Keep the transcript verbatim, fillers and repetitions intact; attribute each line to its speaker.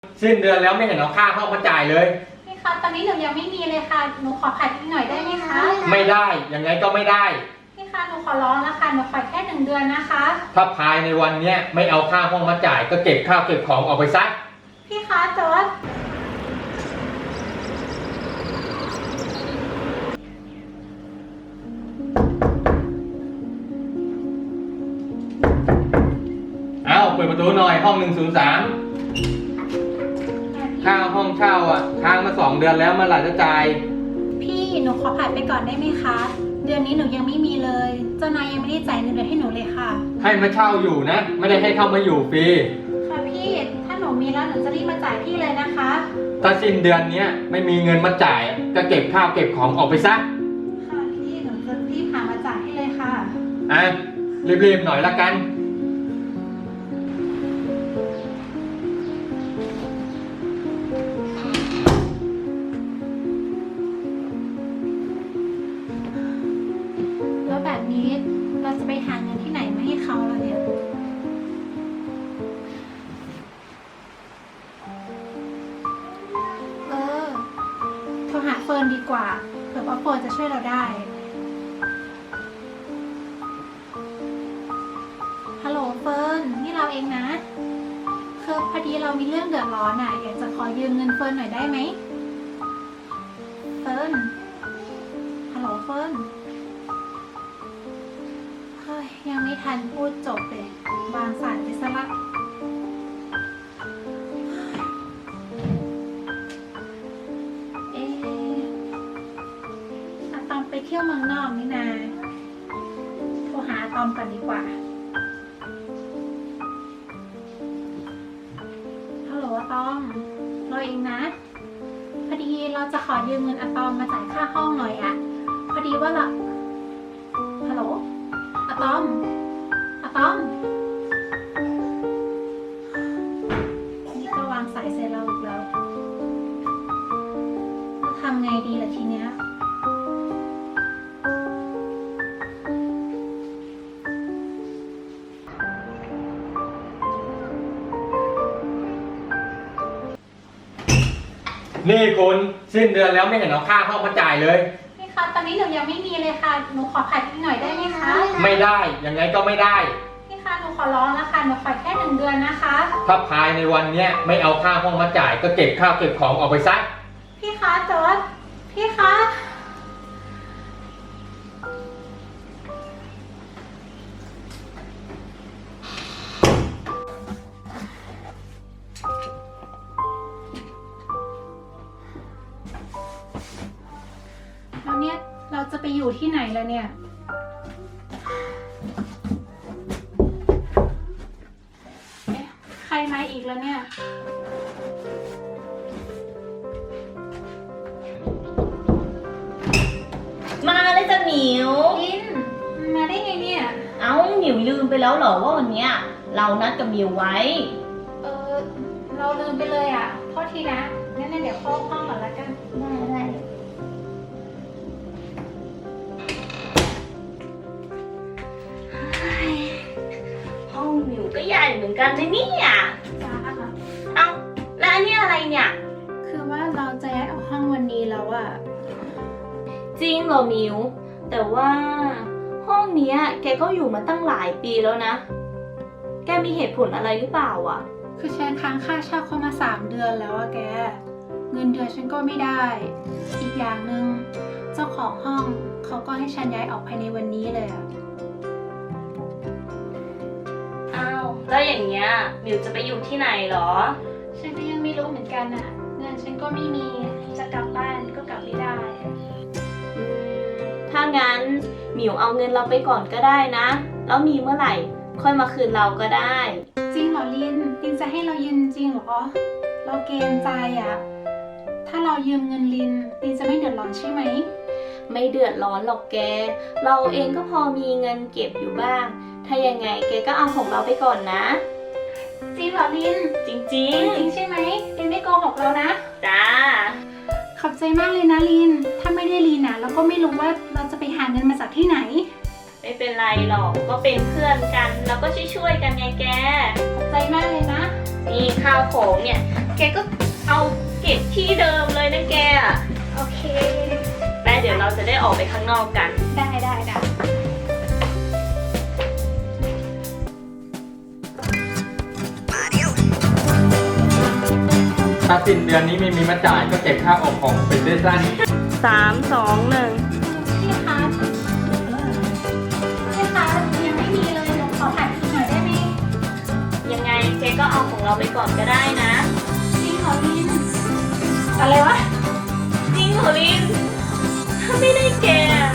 Speaker 1: สิ้นเดือนแล้วไม่เห็นเอาค่าห้องมาจ่ายเลย
Speaker 2: พี่คะตอนนี้หนูยังไม่มีเลยค่ะหนูขอผัดอีกหน่อยได้ไหมคะ
Speaker 1: ไม่ได้ยังไงก็ไม่ได้
Speaker 2: พี่คะหนูขอร้องแล้วค่ะหนูขอแค่หนึ่งเดือนนะคะ
Speaker 1: ถ้าภายในวันนี้ไม่เอาค่าห้องมาจ่ายก็เก็บข้าวเก็บของออกไปซะ
Speaker 2: พี่คะแต่ว่า
Speaker 1: เอาเปิดประตูหน่อยห้องหนึ่งศูนย์สามค่าห้องเช่าอ่ะค้างมาสองเดือนแล้วเมื่อไหร่จะจ่าย
Speaker 2: พี่หนูขอผัดไปก่อนได้ไหมคะเดือนนี้หนูยังไม่มีเลยเจ้านายยังไม่ได้จ่ายเงินเดือนให้หนูเลยค่ะ
Speaker 1: ให้มาเช่าอยู่นะไม่ได้ให้เข้ามาอยู่ฟรี
Speaker 2: ค่ะพี่ถ้าหนูมีแล้วหนูจะรีบมาจ่ายพี่เลยนะคะ
Speaker 1: ถ้าสิ้นเดือนนี้ไม่มีเงินมาจ่ายก็เก็บข้าวเก็บของออกไปซะ
Speaker 2: ค่ะพี่หนูจะรีบหามาจ่ายให้เลยค่ะ
Speaker 1: อ่ะรีบๆหน่อยละกัน
Speaker 2: แล้วแบบนี้เราจะไปหาเงินที่ไหนมาให้เขาล่ะเนี่ยเออโทรหาเฟิร์นดีกว่าเผื่อว่าเฟิร์นจะช่วยเราได้ฮัลโหลเฟิร์นนี่เราเองนะคือพอดีเรามีเรื่องเดือดร้อนอ่ะอยากจะขอยืมเงินเฟิร์นหน่อยได้ไหมเฟิร์นฮัลโหลเฟิร์นเฮ้ยยังไม่ทันพูดจบเลยวางสายไปซะละเอ๊ะอะตอมไปเที่ยวเมืองนอกนี่นาโทรหาอะตอมก่อนดีกว่าฮัลโหลอะตอมเราเองนะพอดีเราจะขอยืมเงินอะตอมมาจ่ายค่าห้องหน่อยอะพอดีว่าเราฮัลโหลอะตอมอะตอมนี่ก็วางสายเสร็จเราอีกแล้วทำไงดีล่ะทีเนี้ย
Speaker 1: นี่คุณสิ้นเดือนแล้วไม่เห็นเอาค่าห้องมาจ่ายเลย
Speaker 2: พี่คะตอนนี้หนูยังไม่มีเลยค่ะหนูขอผัดอีกหน่อยได้ไหมคะ
Speaker 1: ไม่ได้ยังไงก็ไม่ได้
Speaker 2: พี่คะหนูขอร้องแล้วค่ะหนูขอแค่หนึ่งเดือนนะคะ
Speaker 1: ถ้าภายในวันนี้ไม่เอาค่าห้องมาจ่ายก็เก็บข้าวเก็บของออกไปซะ
Speaker 2: พี่คะแต่ว่าพี่คะแล้วเนี่ยเราจะไปอยู่ที่ไหนแล้วเนี่ยเอ๊ะใครมาอีกแล้วเนี่ย
Speaker 3: มาเลยจ้ะหมิว
Speaker 2: ลินมาได้ไงเนี่ย
Speaker 3: เอ้าหมิวลืมไปแล้วเหรอว่าวันเนี้ยเรานัดกับหมิวไว้
Speaker 2: เออเราลืมไปเลยอ่ะโทษทีนะงั้นเดี๋ยวเข้าห้องก่อนละกัน
Speaker 3: ได้ได้ห้องหมิวก็ใหญ่เหมือนกันนะเนี่ย
Speaker 2: จ้า
Speaker 3: เอ้าแล้วอันนี้อะไรเนี่ย
Speaker 2: คือว่าเราจะย้ายออกห้องวันนี้แล้วอ่ะ
Speaker 3: จริงเหรอหมิวแต่ว่าห้องเนี้ยแกก็อยู่มาตั้งหลายปีแล้วนะแกมีเหตุผลอะไรหรือเปล่าอ่ะ
Speaker 2: คือฉันค้างค่าเช่าเข้ามาสามเดือนแล้วอะแกเงินเดือนฉันก็ไม่ได้อีกอย่างหนึ่งเจ้าของห้องเขาก็ให้ฉันย้ายออกภายในวันนี้เลยอะ
Speaker 3: อ้าวแล้วอย่างเงี้ยหมิวจะไปอยู่ที่ไหนหรอ
Speaker 2: ฉันก็ยังไม่รู้เหมือนกันอะเงินฉันก็ไม่มีจะกลับบ้านก็กลับไม่ได้
Speaker 3: ถ้างั้นหมิวเอาเงินเราไปก่อนก็ได้นะแล้วมีเมื่อไหร่ค่อยมาคืนเราก็ได้
Speaker 2: จริงเหรอลินลินจะให้เรายืมจริงเหรอเราเกรงใจอะถ้าเรายืมเงินลินลินจะไม่เดือดร้อนใช่ไหม
Speaker 3: ไม่เดือดร้อนหรอกแกเราเองก็พอมีเงินเก็บอยู่บ้างถ้ายังไงแกก็เอาของเราไปก่อนนะ
Speaker 2: จริงเหรอลิน
Speaker 3: จริง
Speaker 2: จริงจริงใช่ไหมลินไม่โกหกเรานะ
Speaker 3: จ้า
Speaker 2: ขอบใจมากเลยนะลินถ้าไม่ได้ลินนะเราก็ไม่รู้ว่าเราจะไปหาเงินมาจากที่ไหน
Speaker 3: ไม่เป็นไรหรอกก็เป็นเพื่อนกันแล้วก็ช่วยๆกันไงแก
Speaker 2: ขอบใจมากเลยนะ
Speaker 3: นี่ข้าวของเนี่ย แกก็เอาเก็บที่เดิมเลยนะแกอะ
Speaker 2: โอเค
Speaker 3: ไปเดี๋ยวเราจะได้ออกไปข้างนอกกัน
Speaker 2: ได้ได้ได้
Speaker 1: ถ้าสิ้นเดือนนี้ไม่มีมาจ่ายก็เก็บข้าวออกของไปซื้อสั้น
Speaker 3: สามสองหนึ่ง
Speaker 2: พี่คะพี่คะยังไม่มีเลยหนูขอถ่ายคลิปหน่อยได้ไหม
Speaker 3: ยังไงแกก็เอาของเราไปก่อนก็ได้นะ
Speaker 2: จริงเหรอลินอะไรวะ
Speaker 3: จริงเหรอลินถ้าไม่ได้แกอะ